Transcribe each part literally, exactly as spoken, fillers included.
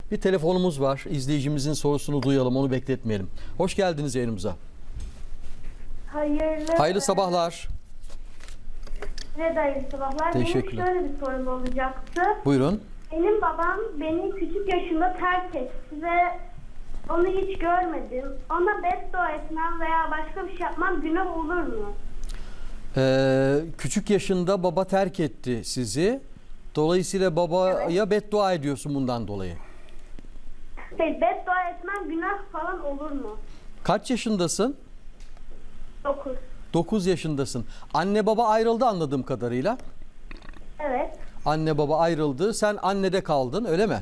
Bir telefonumuz var. İzleyicimizin sorusunu duyalım, onu bekletmeyelim. Hoş geldiniz yayınımıza. Hayırlı, Hayırlı sabahlar. Size de hayırlı sabahlar. Teşekkürler. Benim şöyle bir sorum olacaktı. Buyurun. Benim babam beni küçük yaşımda terk etti ve onu hiç görmedim. Ona beddua etmem veya başka bir şey yapmam günah olur mu? Ee, küçük yaşında baba terk etti sizi. Dolayısıyla babaya Evet. beddua ediyorsun bundan dolayı. Şey, beddua etmem günah falan olur mu? Kaç yaşındasın? dokuz. dokuz yaşındasın. Anne baba ayrıldı anladığım kadarıyla. Evet. Anne baba ayrıldı. Sen annede kaldın, öyle mi?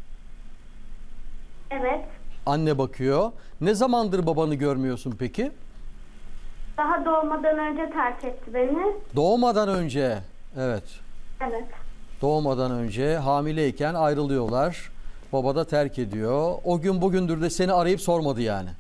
Evet. Anne bakıyor. Ne zamandır babanı görmüyorsun peki? Daha doğmadan önce terk etti beni. Doğmadan önce. Evet. Evet. Doğmadan önce hamileyken ayrılıyorlar. Baba da terk ediyor. O gün bugündür de seni arayıp sormadı yani.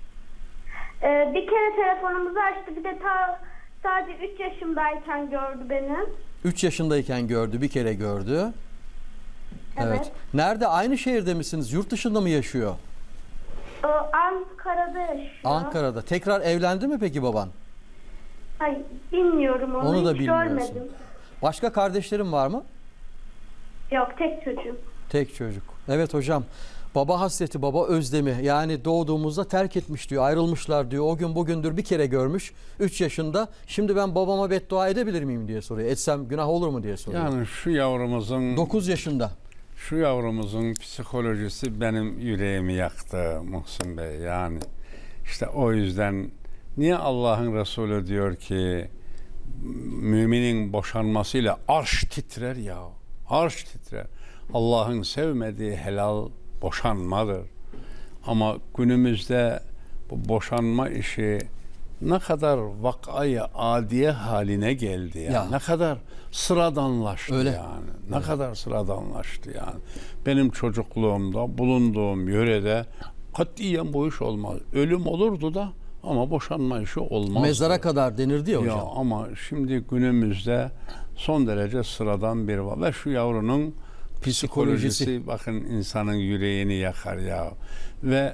Ee, bir kere telefonumuzu açtı. Bir de ta, sadece üç yaşımdayken gördü beni. üç yaşındayken gördü, bir kere gördü. Evet. Evet. Nerede? Aynı şehirde misiniz? Yurt dışında mı yaşıyor? O Ankara'da yaşıyor. Ankara'da. Tekrar evlendi mi peki baban? Hayır, bilmiyorum onu, Onu da hiç bilmiyorsun. görmedim. Başka kardeşlerin var mı? Yok, tek çocuğum. Tek çocuk. Evet hocam. Baba hasreti, baba özlemi. Yani doğduğumuzda terk etmiş diyor, ayrılmışlar diyor. O gün bugündür bir kere görmüş. üç yaşında. Şimdi ben babama beddua edebilir miyim diye soruyor. Etsem günah olur mu diye soruyor. Yani şu yavrumuzun dokuz yaşında. şu yavrumuzun psikolojisi benim yüreğimi yaktı Muhsin Bey. Yani işte o yüzden niye Allah'ın Resulü diyor ki müminin boşanmasıyla arş titrer ya. Arş titrer. Allah'ın sevmediği helal boşanmadır. Ama günümüzde bu boşanma işi ne kadar vakayı adiye haline geldi yani. Ya. Ne kadar sıradanlaştı Öyle. yani. Ne kadar sıradanlaştı yani. Benim çocukluğumda bulunduğum yörede katiyen bu iş olmaz. Ölüm olurdu da ama boşanma işi olmaz. Mezara kadar denirdi ya hocam. Ya ama şimdi günümüzde son derece sıradan bir var. Ve şu yavrunun psikolojisi, Psikolojisi. bakın insanın yüreğini yakar ya. Ve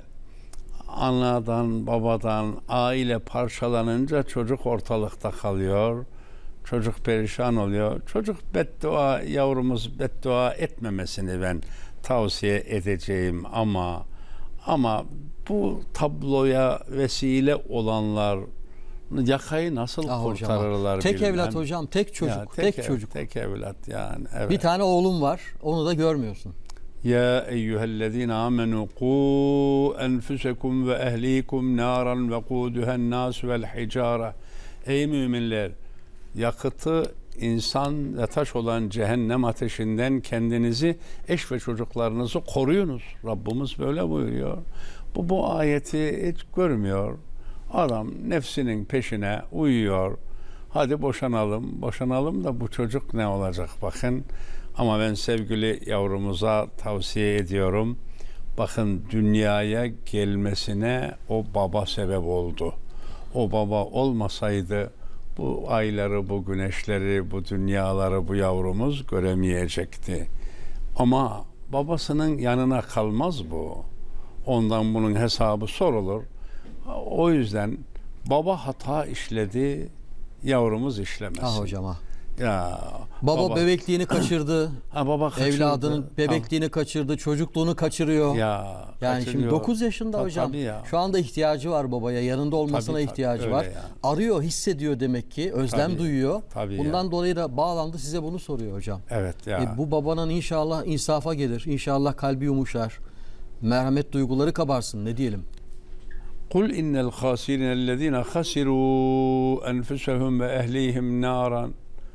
anadan, babadan, aile parçalanınca çocuk ortalıkta kalıyor. Çocuk perişan oluyor. Çocuk beddua, yavrumuz beddua etmemesini ben tavsiye edeceğim ama ama bu tabloya vesile olanlar yakayı nasıl Ah hocam, kurtarırlar tek bilmem. evlat hocam, tek çocuk, Ya, tek, ev- çocuk. Tek evlat yani. Evet. Bir tane oğlum var, onu da görmüyorsun. Ya eyyühellezine amenu qu enfusekum ve ehlikum naran ve quduhen nas vel hicara. Ey müminler, yakıtı insan ve taş olan cehennem ateşinden kendinizi, eş ve çocuklarınızı koruyunuz. Rabbimiz böyle buyuruyor. Bu bu ayeti hiç görmüyor. Adam nefsinin peşine uyuyor. Hadi boşanalım, boşanalım da bu çocuk ne olacak bakın. Ama ben sevgili yavrumuza tavsiye ediyorum. Bakın dünyaya gelmesine o baba sebep oldu. O baba olmasaydı bu ayları, bu güneşleri, bu dünyaları bu yavrumuz göremeyecekti. Ama babasının yanına kalmaz bu. Ondan bunun hesabı sorulur. O yüzden baba hata işledi, yavrumuz işlemesin. Ah hocam ah. Ya Baba, bebekliğini kaçırdı. ha, baba kaçırdı. Evladının bebekliğini kaçırdı, çocukluğunu kaçırıyor. Ya Yani şimdi kaçırıyor. dokuz yaşında Ta- hocam. tabii ya. Şu anda ihtiyacı var babaya. Yanında olmasına Tabii, tabii, ihtiyacı öyle var. ya. Arıyor, hissediyor demek ki. Özlem Tabii, duyuyor. tabii Bundan ya. dolayı da bağlandı, size bunu soruyor hocam. Evet ya. E, bu babanın inşallah insafa gelir. İnşallah kalbi yumuşar. Merhamet duyguları kabarsın. Ne diyelim? Kul innel khasirinellezine khasiru enfusahum ve ehlihim naran.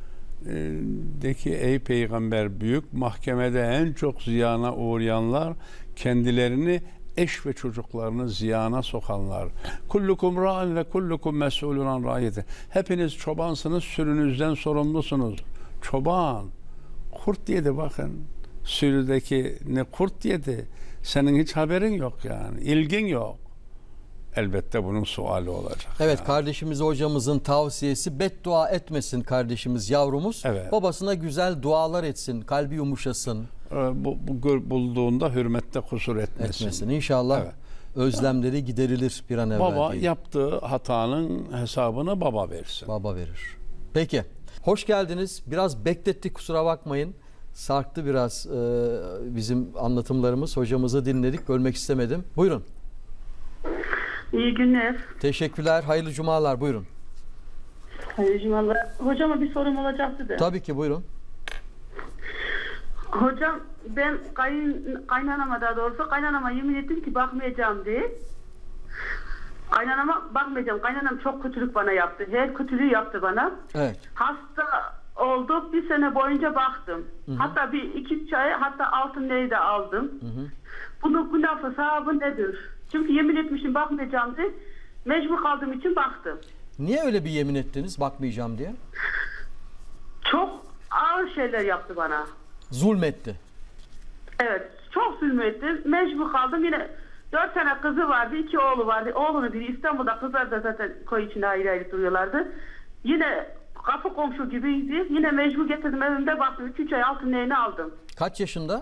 De ki ey peygamber, büyük mahkemede en çok ziyana uğrayanlar kendilerini, eş ve çocuklarını ziyana sokanlar. Kullukum ra'in ve kullukum mes'ulun an ra'iyeti. Hepiniz çobansınız, sürünüzden sorumlusunuz. Çoban kurt yedi bakın. Sürüdeki ne kurt yedi. Senin hiç haberin yok yani. İlgin yok. elbette bunun suali olacak. Evet, yani. kardeşimiz hocamızın tavsiyesi beddua etmesin kardeşimiz, yavrumuz. Evet. Babasına güzel dualar etsin, kalbi yumuşasın. Ee, Bu, bu gör- bulduğunda hürmette kusur etmesin. Etmesin. İnşallah Evet. özlemleri giderilir bir an evvel. Baba diye. yaptığı hatanın hesabını baba versin. Baba verir. Peki. Hoş geldiniz. Biraz beklettik, kusura bakmayın. Sarktı biraz e, bizim anlatımlarımız. Hocamızı dinledik. Bölmek istemedim. Buyurun. İyi günler. Teşekkürler. Hayırlı cumalar. Buyurun. Hayırlı cumalar. Hocama bir sorum olacaktı da. Tabii ki buyurun. Hocam ben kayın, kaynanama daha doğrusu kaynanama yemin ettim ki bakmayacağım diye. Kaynanama bakmayacağım. Kaynanam çok kötülük bana yaptı. Her kötülüğü yaptı bana. Evet. Hasta olduk. Bir sene boyunca baktım. Hı hı. Hatta bir iki üç ay hatta altın neyi de aldım. Hı hı. Bunun günah hesabı nedir? Çünkü yemin etmişim bakmayacağım diye. Mecbur kaldığım için baktım. Niye öyle bir yemin ettiniz bakmayacağım diye? Çok ağır şeyler yaptı bana. Zulmetti. Evet, çok zulmettim. Mecbur kaldım. Yine dört tane kızı vardı, iki oğlu vardı. Oğlunu biri İstanbul'da, kızlar da zaten koy içinde ayrı ayrı duruyorlardı. Yine kapı komşu gibiydi. Yine mecbur getirdim evimde baktım. üç üç ay altın neyini aldım. Kaç yaşında?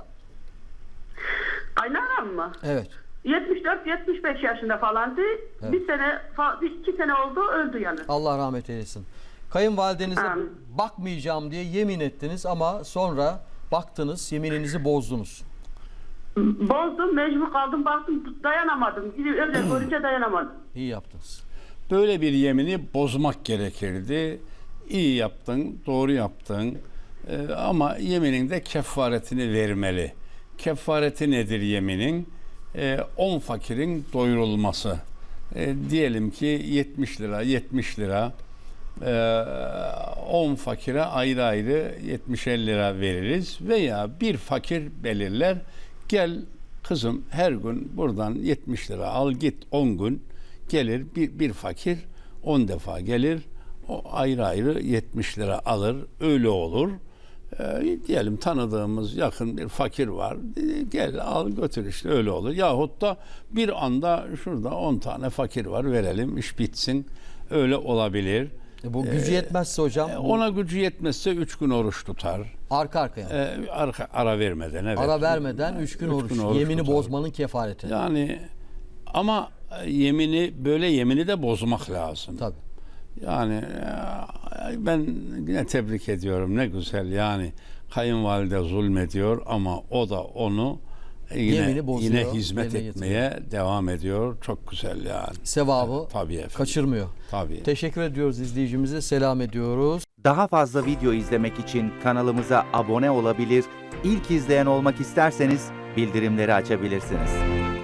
Kaynanam mı? Evet. yetmiş dört yetmiş beş yaşında falandı. Evet. Bir sene, fa- bir iki sene oldu öldü yani. Allah rahmet eylesin. Kayınvalidenize Amin. bakmayacağım diye yemin ettiniz ama sonra baktınız, yemininizi bozdunuz. Bozdum, mecbur kaldım, baktım dayanamadım. Öyle görünce dayanamadım. İyi yaptınız. Böyle bir yemini bozmak gerekirdi. İyi yaptın, doğru yaptın. Ee, ama yeminin de kefaretini vermeli. Kefareti nedir yeminin? Ee, on fakirin doyurulması. Ee, diyelim ki yetmiş lira, yetmiş lira. Ee, on fakire ayrı ayrı yetmişer lira veririz. Veya bir fakir belirler. Gel kızım her gün buradan yetmiş lira al git, on gün gelir bir, bir fakir on defa gelir, o ayrı ayrı yetmiş lira alır, öyle olur. Ee, diyelim tanıdığımız yakın bir fakir var, gel al götür, işte öyle olur. Yahut da bir anda şurada on tane fakir var, verelim iş bitsin, öyle olabilir. E bu gücü yetmezse hocam, bu Ona gücü yetmezse üç gün oruç tutar. arka arkaya. Ee, arka, ara vermeden, evet. Ara vermeden üç gün Üç oruç. gün oruç Yemini tutar. bozmanın kefareti. Yani ama yemini, böyle yemini de bozmak lazım. Tabii. Yani e, ben yine tebrik ediyorum, ne güzel yani kayınvalide zulmediyor ama o da onu yine, Yemini bozuyor, yine hizmet yerine etmeye devam ediyor. Çok güzel yani. Sevabı Tabii efendim. kaçırmıyor. Tabii. Teşekkür ediyoruz izleyicimize. Selam ediyoruz. Daha fazla video izlemek için kanalımıza abone olabilir, ilk izleyen olmak isterseniz bildirimleri açabilirsiniz.